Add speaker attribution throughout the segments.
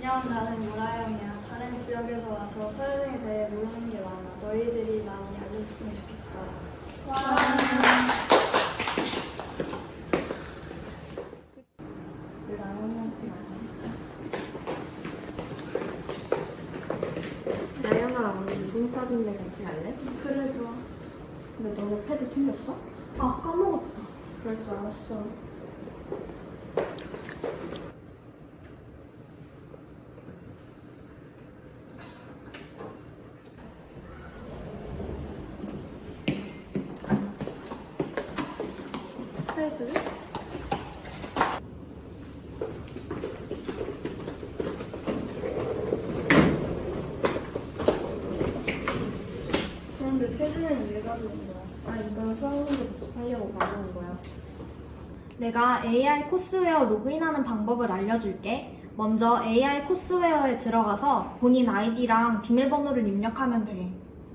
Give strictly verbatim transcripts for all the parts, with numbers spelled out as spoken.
Speaker 1: 안녕, 나는 모라형이야. 다른 지역에서 와서 서여정에 대해 모르는 게 많아. 너희들이 많이 알려줬으면 좋겠어. 와.
Speaker 2: 나연아, 오늘 운동 수업인데 같이 갈래?
Speaker 1: 그래, 좋아.
Speaker 2: 근데 너네 패드 챙겼어?
Speaker 1: 아, 까먹었다.
Speaker 2: 그럴 줄 알았어.
Speaker 1: 패드? 그런데 패드는 왜 가져온 거야?
Speaker 2: 아, 이건 수학 문제 복습하려고 가져온 거야.
Speaker 3: 내가 에이아이 코스웨어 로그인하는 방법을 알려줄게. 먼저 에이아이 코스웨어에 들어가서 본인 아이디랑 비밀번호를 입력하면 돼.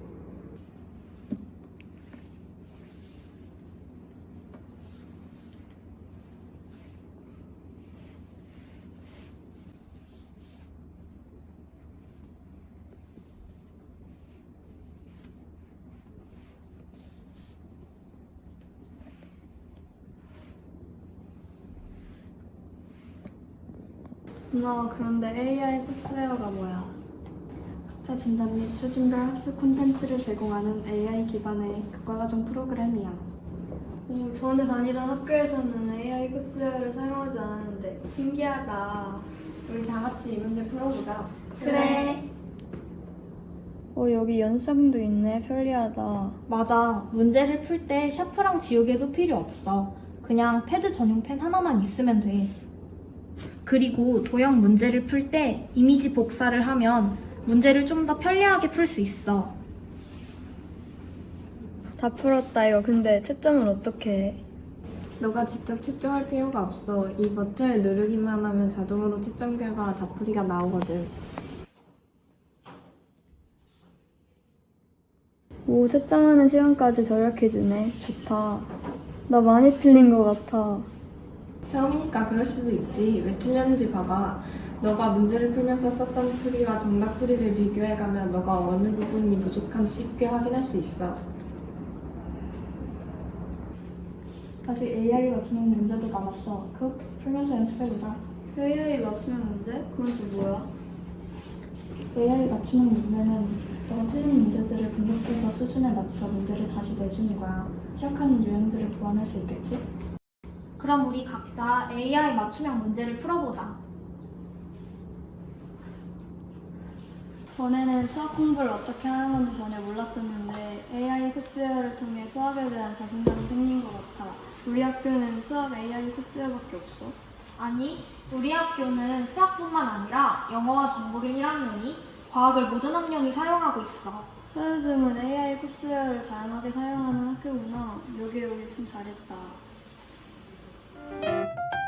Speaker 1: 누나, 그런데 에이아이 코스웨어가 뭐야?
Speaker 4: 학자 진단 및 수준별 학습 콘텐츠를 제공하는 에이아이 기반의 교과과정 프로그램이야.
Speaker 1: 오, 전에 다니던 학교에서는 에이아이 코스웨어를 사용하지 않았는데 신기하다.
Speaker 2: 우리 다 같이 이 문제 풀어보자.
Speaker 1: 그래. 어, 여기 연습도 있네. 편리하다.
Speaker 3: 맞아. 문제를 풀 때 샤프랑 지우개도 필요 없어. 그냥 패드 전용 펜 하나만 있으면 돼. 그리고 도형 문제를 풀 때 이미지 복사를 하면 문제를 좀 더 편리하게 풀 수 있어.
Speaker 1: 다 풀었다 이거. 근데 채점은 어떻게 해?
Speaker 2: 너가 직접 채점할 필요가 없어. 이 버튼을 누르기만 하면 자동으로 채점 결과 다 풀이가 나오거든.
Speaker 1: 오, 채점하는 시간까지 절약해주네. 좋다. 나 많이 틀린 것 같아.
Speaker 2: 처음이니까 그럴 수도 있지. 왜 틀렸는지 봐봐. 너가 문제를 풀면서 썼던 풀이와 정답 풀이를 비교해가면 너가 어느 부분이 부족한지 쉽게 확인할 수 있어.
Speaker 4: 다시 에이아이 맞춤형 문제도 남았어. 그거 풀면서 연습해보자.
Speaker 1: 에이아이 맞추는 문제? 그건 또 뭐야?
Speaker 4: 에이아이 맞춤형 문제는 너가 틀린 문제들을 분석해서 수준에 맞춰 문제를 다시 내주는 거야. 시작하는 유형들을 보완할 수 있겠지?
Speaker 3: 그럼 우리 각자 에이아이 맞춤형 문제를 풀어보자.
Speaker 1: 전에는 수학 공부를 어떻게 하는 건지 전혀 몰랐었는데 에이아이 코스웨어를 통해 수학에 대한 자신감이 생긴 것 같아. 우리 학교는 수학 에이아이 코스웨어밖에 없어.
Speaker 3: 아니, 우리 학교는 수학뿐만 아니라 영어와 정보를 일 학년이, 과학을 모든 학년이 사용하고 있어.
Speaker 1: 서여중은 에이아이 코스웨어를 다양하게 사용하는 학교구나. 여기 오길 참 잘했다.